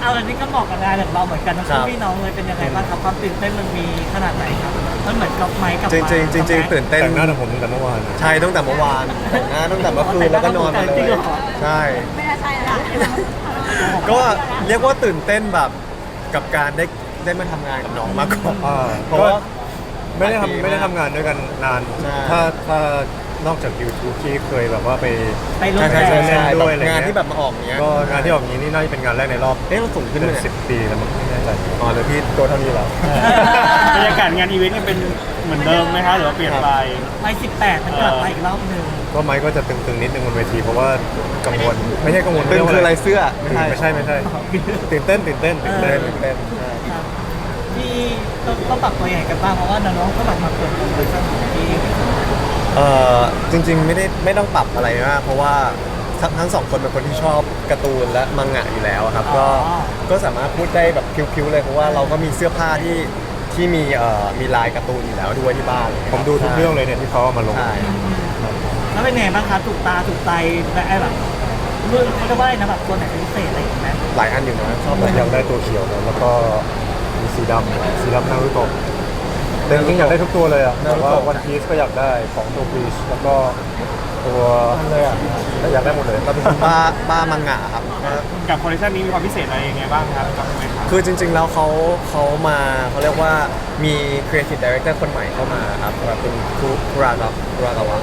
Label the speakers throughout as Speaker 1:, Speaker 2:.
Speaker 1: เอาอันนี้ก็เหมาะกับงานของเราเหมือนกันทั้งคู่พี่น้องเลยเป็นยังไงบ้างครับความตื่นเต้นมันมีขนาดไหนครับมันเหมือนกับไม้กับ
Speaker 2: จริงตื่นเต้น
Speaker 3: แต่งหน้าของผมตั้งแต่เมื่อวาน
Speaker 2: ใช่ตั้งแต่เมื่อวานแต่งหน้าตั้งแต่เมื่อคืนแล้วก็นอนมาเลยใช่
Speaker 4: ไม่น่าใช่ละ
Speaker 2: ก็เรียกว่าตื่นเต้นแบบกับการได้มาทำงานกับน้องมากกว่าเพราะว่า
Speaker 3: ไม่ได้ทำงานด้วยกันนาน
Speaker 2: ใช่
Speaker 3: ถ้านอกจาก YouTube ที่เคยแบบว่าไป
Speaker 1: ไปร่วม
Speaker 2: ใช่
Speaker 1: งาน
Speaker 3: เล่นด้วยอะไรเงี้ย
Speaker 2: งานที่แบบมาออกเนี้ย
Speaker 3: ก็งานที่ออกนี้นี่น่าจะเป็นงานแรกในรอบ
Speaker 2: เราสูงขึ้น
Speaker 3: เป็
Speaker 2: เล
Speaker 3: น
Speaker 2: ย
Speaker 3: 10 ปีแล้วมั้งไม่แน่ใจ
Speaker 2: อ๋อเลยพี่ตัวเท่านี้แล้ว
Speaker 5: บรรยากาศงานอีเวนต์ยังเป็นเหมือนเดิมไหมคะหรือว่าเปลี่ยนไป
Speaker 1: ไป18มันกลับมาอีกรอบหนึ่ง
Speaker 3: ก็ไมค์ก็จะตึงๆนิดนึงบนเวทีเพราะว่ากังวลไม่ใช่กังวล
Speaker 2: ตึงคืออะไรเสื้อ
Speaker 3: ไม่ใช่ตื่นเต้น
Speaker 2: ตื่นเต้นใช่
Speaker 1: ครับที่ต้องปรับตัวใหญ่กันบ้างเพราะว่าน้องๆก็แบบมาเปิดตัวสถานที่
Speaker 2: จริงๆไม่ต้องปรับอะไรมากเพราะว่าทั้งสองคนเป็นคนที่ชอบการ์ตูนและมังงะอยู่แล้วครับก็สามารถพูดได้แบบคิ้วๆเลยเพราะว่าเราก็มีเสื้อผ้าที่มีลายการ์ตูนอยู่แล้วด้วยที่บ้าน
Speaker 3: ผมดูทุกเรื่องเลยเนี่ยที่เขาเอามาลง
Speaker 2: ใช่
Speaker 1: แล้วเป็นไงบ้างครับถูกตาถูกใจและไอ้แบบเรื่องเขาจะว่าอะไรนะแบบตัวไหนเป็นพิเศษอะไรอย่างเงี้ย
Speaker 2: หลายอันอยู่นะชอบ
Speaker 3: อยากได้ตัวเขียวนะแล้วก็มีสีดำนารูโตะแต่จริงๆอยากได้ทุกตัวเลยอ่ะแต่ว่าวันพีซก็อยากได้ของตัวบลีชแล้วก็ตัวอะไรอ่ะอยากได้หมดเลย
Speaker 2: เราเป็นคนบ้ามังงะครับ
Speaker 5: กับคอลเลคชันนี้มีความพิเศษอะไรยังไงบ้างครับจำได้ไหมครับ
Speaker 2: คือจริงๆแล้วเขามาเขาเรียกว่ามี Creative Director คนใหม่เข้ามาครับเป็นคุรากาวะ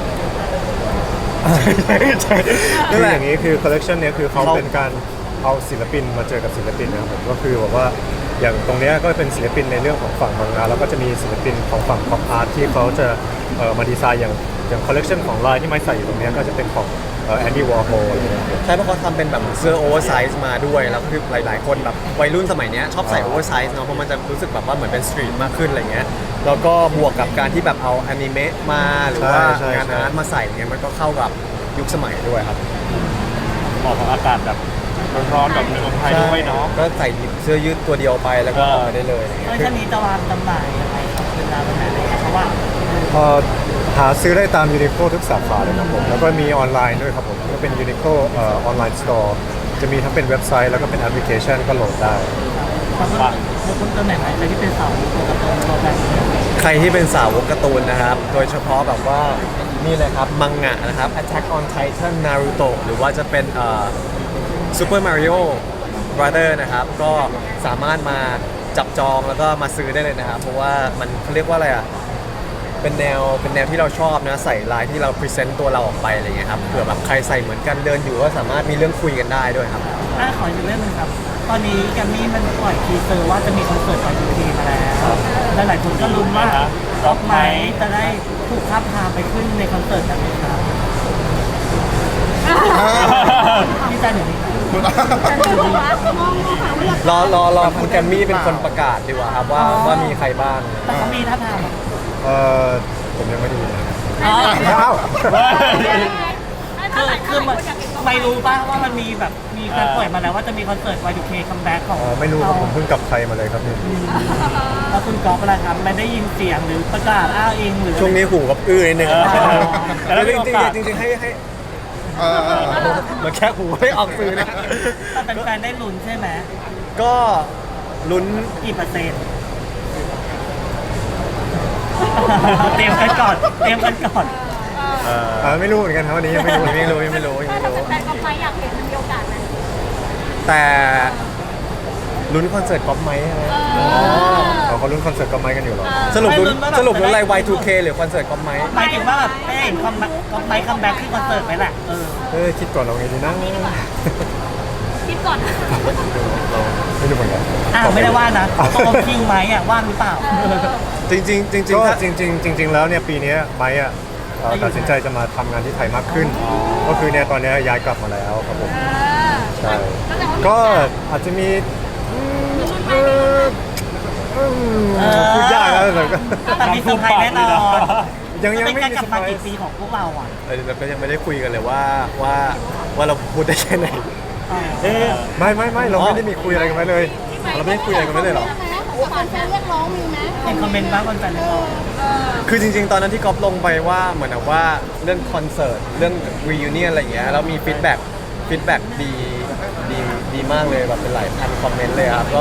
Speaker 3: ใช่
Speaker 2: นั่
Speaker 3: คื
Speaker 2: น
Speaker 3: อ
Speaker 2: แหละ
Speaker 3: อย่างนี้คือคอลเลกชันเนี้ยคือเขา
Speaker 2: เขา
Speaker 3: เป็นการเอาศิลปินมาเจอกับศิลปินนะครับผมก็คือแบบว่าอย่างตรงเนี้ยก็เป็นศิลปินในเรื่องของฝั่งมังงะแล้วก็จะมีศิลปินของฝั่งป๊อปอาร์ตที่เขาจะมาดีไซน์อย่างคอลเลกชันของลายที่ไม่ใส่อยู่ตรงเนี้ยก็จะเป็นของแอนดี้วอร์โฮลอะไรเงี้ย
Speaker 2: ใช่เพราะเขาทำเป็นแบบเสื้อโอเวอร์ไซส์มาด้วยแล้วคือหลายๆคนแบบวัยรุ่นสมัยเนี้ยชอบใส่โอเวอร์ไซส์เนาะเพราะมันจะรู้สึกแบบว่าเหมือนเป็นสตรีทมากขึ้นอะไรเงี้ยแล้วก็บวกกับการที่แบบเอาอนิเมะมาหรือว่างานอาร์ตมาใส่เงี้ยมันก็เข้ากับยุคสมัยด้วยครับ
Speaker 5: เหมาะกับอากาศแบบร้อนๆแบบในเมืองไทยด้วยเนาะ
Speaker 2: ก็ใส่เสื้อยืดตัวเดียวไปแล้วก็ออกไปได้เลย
Speaker 1: คอลเลคชันนี้จะวางจำหน่ายยังไงครับเวลาเป็นอะไรเพราะว่า
Speaker 3: หาซื้อได้ตามยูนิโคทุกสาขาเลยครับผมแล้วก็มีออนไลน์ด้วยครับผมก็เป็นยูนิโคออนไลน์สโตร์จะมีทั้งเป็นเว็บไซต์แล้วก็เป็นแอปพลิเคชันก็โหลดได้
Speaker 1: ความว่าคุณตำแหน่งไหนใครที่เป็นสาวตัวการ์ตูนตัวแบบนี้
Speaker 2: ใครที่เป็นสาวกการ์ตูนนะครับ โดยเฉพาะแบบว่านี่เลยครับมังงะนะครับ Attack on Titan Naruto หรือว่าจะเป็นSuper Mario Brother นะครับ ก็สามารถมาจับจองแล้วก็มาซื้อได้เลยนะครับ เพราะว่ามันเขาเรียกว่าอะไรอ่ะ เป็นแนวที่เราชอบนะ ใส่ลายที่เราพรีเซนต์ตัวเราออกไปอะไรเงี้ยครับเผื่อแบบใครใส่เหมือนกันเดินอยู่ก็สามารถมีเรื่องคุยกันได้ด้วยครับ
Speaker 1: ขออีกเรื่องหนึงครับ ตอนนี้แกมมี่มันปล่อยทีเซอร์ว่าจะมีคอนเสิร์ตของยูทีมาแล้วหลายๆคนก็ลุ้นว่าล็อกไหมจะได้ถูกท้าบทามไปขึ้นในคอนเสิร์ตแบบนี้ครับพี่ใจหนึ่ง
Speaker 4: แต่คือบอกว่ามองหาว่าอยาก
Speaker 2: รอคุณแกมมี่เป็นคนประกาศดีกว่าครับว่ามีใครบ้าง
Speaker 1: แต่เขามีท้าบทาม
Speaker 3: ผมยังไม่ได้ยินเลย
Speaker 1: อ๋อ
Speaker 3: อ้าว
Speaker 1: คือไม่รู้ป่ะว่ามันมีแบบมีการปล่อยมาแล้วว่าจะมีคอนเสิร์ต Y2K คัมแบ็กของ
Speaker 3: ไม่รู้ครับผมเพิ่งกลับไทยมาเลยครับนี่
Speaker 1: แล้วคุณก๊อฟอะไรครับไม่ได้ยินเสียงหรือประกาศอ้างเองหรือ
Speaker 2: ช่วงนี้หูกับอื้อนิดนึง
Speaker 5: แต่ถ้า
Speaker 2: จ
Speaker 5: มี
Speaker 2: ริ
Speaker 5: โอง กาส
Speaker 2: จริงๆให้มันแค่หูไม่ออกสื่อนะ
Speaker 1: แต่เป็นแฟนได้ลุ้นใช่ไหม
Speaker 2: ก็ลุ้น
Speaker 1: กี่เปอร์เซ็นต์ เตรียมกันก่อน
Speaker 3: ไม่รู้เหมือนกันครับวันนี้ยังไม่รู้
Speaker 2: ยังไม่รู้
Speaker 4: แฟนก็ไปอยากเห็นมันมีโอกาสไหม
Speaker 2: แต่ลุ้นคอนเสิร์ตป๊อปไหมใช่ไหม
Speaker 3: เขาลุ้นคอนเสิร์ตกับไมค์กันอยู่เหรอ
Speaker 2: สรุปลุ้นอะไร Y2K หรือคอนเสิร์ตป๊อปไหม
Speaker 1: หมายถึงว่าแบบได้เห็นคัมแบ็กที่คอนเสิร์ตไหมล่ะ
Speaker 3: คิดก่อนเราไงดีนะ
Speaker 4: คิดก่อน
Speaker 3: ไม่รู้เหมือนกัน
Speaker 1: ไม่ได้ว่านะตกลงคิวไหมว่างหรือเปล่า
Speaker 2: จริงๆจริง
Speaker 3: ก็
Speaker 2: ๆถ้า
Speaker 3: จริงๆแล้วเนี่ยปีนี้ไมค์ตัดสินใจจะมาทำงานที่ไทยมากขึ้น ก็คือเนี่ยตอนนี้ย้ายกลับมาแล้วครับผมใช่ก็อาจจะมีพูดยากแล้วแต่ก็
Speaker 1: แต่มีเซอร์ไพรส์แน่นอน
Speaker 3: ยัง
Speaker 1: เป็น
Speaker 3: ไม่
Speaker 1: การ
Speaker 3: มี
Speaker 1: กลั
Speaker 3: เซ
Speaker 1: บ
Speaker 3: อร์ไพ
Speaker 1: มาร กี่
Speaker 3: ส์
Speaker 1: ปีของพวกเราอ่ะ
Speaker 2: เราก็ยังไม่ได้คุยกันเลยว่าเราพูดได้แค่ไหน
Speaker 3: ไม่เราไม่ได้มีคุยอะไรกันไว้เลย เราไม่ได้คุยอะไรกันไว้เลยเหรอ
Speaker 4: ของขวัญแฟนเรียกร้องมีไหม
Speaker 1: เห็นคอมเมนต์บ้างคนแฟนเลยบอก
Speaker 2: คือจริงๆ ตอนนั้นที่ก๊อฟลงไปว่าเหมือนกับว่าเรื่องคอนเสิร์ตเรื่อง reunion อะไรอย่างเงี้ยแล้วมีฟีดแบ็กดีดีมากเลยแบบเป็นหลายพันคอมเมนต์เลยครับ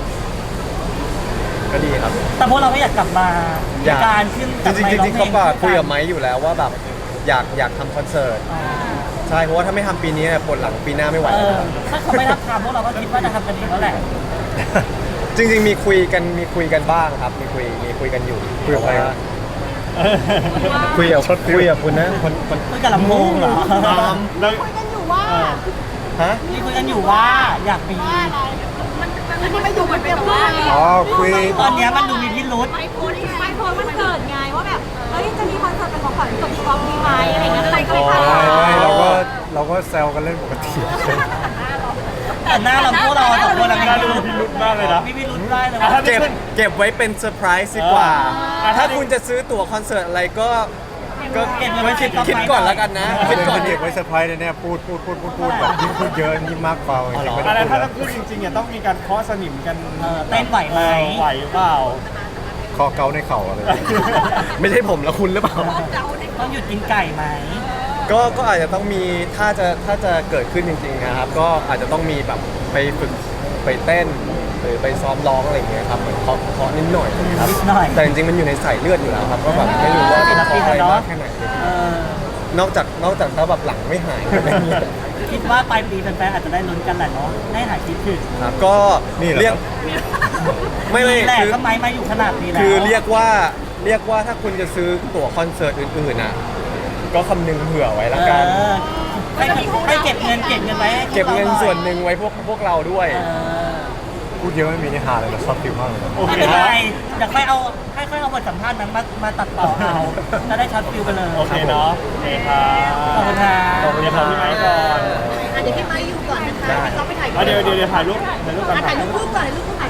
Speaker 2: ก็ดีครับ
Speaker 1: แต่พวกเราก็อยากกลับมา
Speaker 2: อยาก
Speaker 1: การขึ้น
Speaker 2: จริงๆจริงๆเขาก็คุยกับไม้อยู่แล้วว่าแบบอยากทำคอนเสิร์ตใช่เพราะว่าถ้าไม่ทำปีนี้ปวดหลังปีหน้าไม่ไหว
Speaker 1: เอ
Speaker 2: แล้ว
Speaker 1: อ
Speaker 2: ครับ
Speaker 1: ถ้าเขาไม่รับทำพวกเราก็คิดว่าจะทำกันเองแล้วแหละ
Speaker 2: จริงๆมีคุยกันบ้างครับมีคุยกันอยู่
Speaker 3: คุยกับใครครับ
Speaker 2: คุยกับคุณนะคน
Speaker 1: คุยกับลำโพงเหรอ
Speaker 5: แล้ว
Speaker 4: คุยกันอยู่ว่า
Speaker 2: ฮะ
Speaker 1: นี่คุยกันอยู่ว่าอยากมี
Speaker 4: ว่าอะไรอันนี้ไม่อยู่มันเป็นว่า
Speaker 3: อ๋อคุย
Speaker 1: ตอนเนี้ยมันดูมีพิรุษ
Speaker 4: ไม่โพสมันเกิดไงว่าแบบเฮ้ยจะมีคอนเสิร์ตเป็นของขวัญจบกองดีไหมอะไรเงี้ยอะไรก็ไม่พลาด
Speaker 3: ไม่เราก็แซวกันเล่นปกติ
Speaker 1: แต่หน้าเราพวกเราสองคน
Speaker 5: น่าดูพิรุธมากเลยนะ
Speaker 1: มีพิรุษได้เลย
Speaker 5: อ่ะ
Speaker 1: ว่า
Speaker 5: ถ้า
Speaker 2: เก็บไว้เป็นเซอร์ไพรส์ดีกว่า ถ้าคุณจะซื้อตั๋วคอนเสิร์ตอะไรก็
Speaker 1: เก็บเงินไว้
Speaker 2: คิดก่อนแล้วกันนะ
Speaker 3: คิ
Speaker 2: คิ
Speaker 3: ด
Speaker 2: ด
Speaker 3: ก่
Speaker 2: ก่
Speaker 3: อ
Speaker 2: อน น
Speaker 3: เด็กไว้เซอร์ไพรส์เนี่ยพูดแบบยิ่งพูดเยอะยิ่งมากความจริงๆไม่
Speaker 5: อะไร
Speaker 3: ได้
Speaker 5: ถ้า
Speaker 3: พูด
Speaker 5: ต้องขึ้นจริงๆเนี่ยต้องมีการเคาะสนิมกัน
Speaker 1: เต้นไหวไหม
Speaker 5: ไหวเปล่า
Speaker 3: คอเกาในเข่าอะไร
Speaker 2: ไม่ใช่ผมแล้วคุณหรือเปล่า
Speaker 1: ต้องหยุดกินไก่ไหม
Speaker 2: ก็อาจจะต้องมีถ้าจะเกิดขึ้นจริงๆนะครับ ก็อาจจะต้องมีแบบไปฝึกไปเต้นหรือไปซ้อมร้องอะไรอย่างเงี้ยครับเหมือนเคาะนิดหน่อยครับ
Speaker 1: นิดหน่อย
Speaker 2: แต่จริงๆมันอยู่ในสายเลือดอยู่แล้วครับก็แบบไม่รู้ว่าต้องเคาะอะไรมากแค่ไหน
Speaker 1: เออน
Speaker 2: อกจากถ้าแบบหลังไม่หายอะไรอย่างเงี้ย
Speaker 1: คิดว่าปลายปีแฟนๆอาจจะได้ลุ้นกันแหละเนาะได้หายคิดถึง
Speaker 2: ครับก็
Speaker 3: นี่เหรอ
Speaker 2: เรียก
Speaker 3: ครับ
Speaker 2: ไม่
Speaker 1: นี่แหละ
Speaker 2: คือ
Speaker 1: ก็ไม้มาอยู่ขนาดนี้แล้ว
Speaker 2: คือเรียกว่าถ้าคุณจะซื้อตั๋วคอนเสิร์ตอื่นๆน่ะก็คำนึงเผื่อไว้ละกัน
Speaker 1: ให้เก็บเงินไว้ให้
Speaker 2: เก็บเงินส่วนหนึ่งไว้พวกเราด้วย
Speaker 3: พูดเยอะไม่มีเนื้อหาเลยนะชอบฟิลมากเลย
Speaker 5: โอเค
Speaker 1: ไม่เป็น
Speaker 5: นะ
Speaker 1: ไรเดี๋ยวค่อยเอาบทสัมภาษณ์นั้นมาตัดต่อเอาจะได้ช็อตฟิลไปเลย
Speaker 5: โอเคเนาะโอเคครับ
Speaker 1: ขอบคุณครับ
Speaker 5: เดี๋ยวขอพี่ไม้ก่อน
Speaker 4: เดี๋ยวพี่ไม้อยู่ก่อนนะคะ
Speaker 2: ได้
Speaker 4: ต้องไปถ่าย
Speaker 5: เดี๋ยวถ่ายรูปกัน
Speaker 4: ถ่ายรูปก่อนถ่ายรูปถ่าย